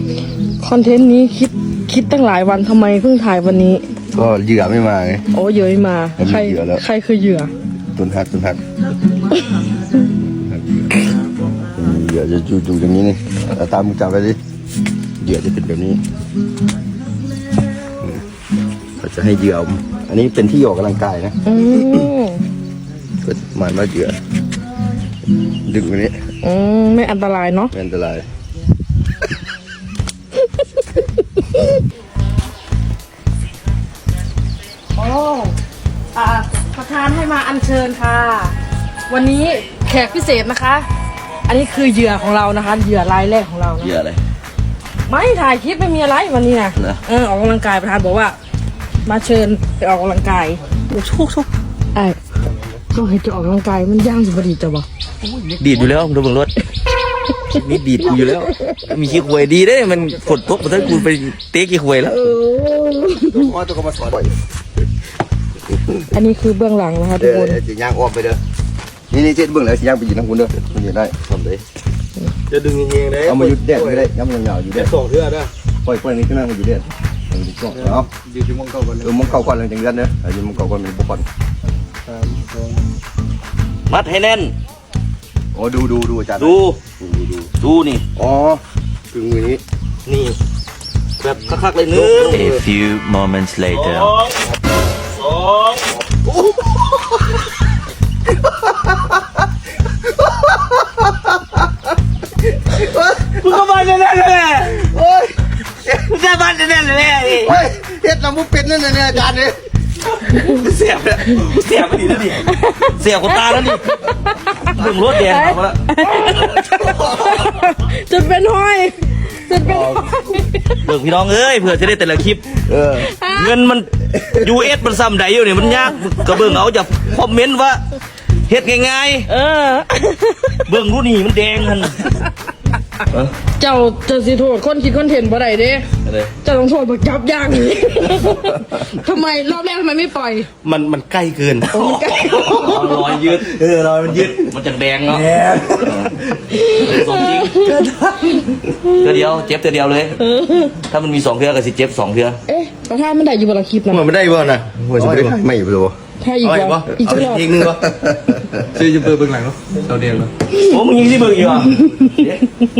คอนเทนต์นี้คิดตั้งหลายวันทำไมเพิ่งถ่ายวันนี้ก็เหยื่อไม่มาไงโอ้เหยื่อไม่มาใครคือเหยื่อตุนฮักเหยื่อจะอยู่อย่างนี้นี่ตามมึงจับไปดิเหยื่อจะเป็นแบบนี้เขาจะให้เหยื่ออันนี้เป็นที่ออกกำลังกายนะก็หมายว่าเหยื่อดึงแบบนี้ไม่อันตรายเนาะไม่อันตรายโอ้ประธานให้มาอัญเชิญค่ะวันนี้แขกพิเศษนะคะอันนี้คือเหยื่อของเรานะคะเหยื่อรายแรกของเรานะเหยื่ออะไรไม่ถ่ายคลิปไม่มีอะไรวันนี้นะออกกำลังกายประธานบอกว่ามาเชิญไปออกกำลังกายโอ้ชุกไอ้ก็ให้จะออกกำลังกายมันย่างสุดดีจ้ะบ่ดีดอยู่แล้วดูบนรถนี่ดีดอยู่แล้วมีขี้ควยดีได้มันฝนตกมาถ้ากูไปเตะขี้ควยแล้วว่าตัวก็มาสอนอันนี้คือเบื้องหลังนะคะทุกคนจะย่างออกไปเด้อนี่เจ็ดเบื้องหลังจะย่างไปยืนทั้งคุณเด้อมันยืนได้ทำได้จะดึงเงี้ยเลยเอามายุดแดดไม่ได้ย้ำยาวๆอยู่แดดสองเทื่อได้ปล่อยนี่ขึ้นมาอยู่แดดเอายืนที่มองเก่าก่อนมองเก่าก่อนเลยจังเดือนเด้อยืนมองเก่าก่อนมีบุคคลมัดให้แน่นโอ้ดูอาจารย์ดูนี่อ๋อถึงมือนี้นี่แบบคักๆเลยนึง A few moments later สองมึงก็มาแน่ๆเลยโอ้ยมึงจะมาแน่ๆเลยเฮ้ยเฮ็ดน้ำมุกเป็ดนั่นเนี่ยอาจารย์เนี่ยเสียบเลยเสียบไปดิแล้วดิเสียบกูตาแล้วดิดึงรถแดงมาแล้วจนเป็นห้อยเบิกพี่น้องเอ้ยเผื่อจะได้แต่ละคลิปเงินมัน US มันซ้ำใดอยู่เนี่ยมันยากก็เบิ่งเอาจะคอมเมนต์ว่าเฮ็ดง่ายๆเบิ่งรู้นี่มันแดงกันเจ้าสิโทษคนคิดคอนเทนต์บ่ได้เด้เจ้าต้องโทษบักจับย่างนี่ทำไมรอบแรกทำไมไม่ปล่อยมันใกล้เกินมันใกล้รอยยืดรอยมันยืดมันจะแดงเนาะสมจริงเดียวเจ็บเดียวเลยถ้ามันมี2เทื่อก็สิเจ็บ2เทื่อประธานมันได้อยู่บนคลิปนะมันไม่ได้บ่นะมันจะไม่ได้ไม่รู้ถ้าอีกว่าอีกรอบอีกนึงวะซื้อจะเปิดเบื้องหลังเนาะเราเดียวเนาะโอ้มึงยิงที่เบิ่งอยู่อ่ะ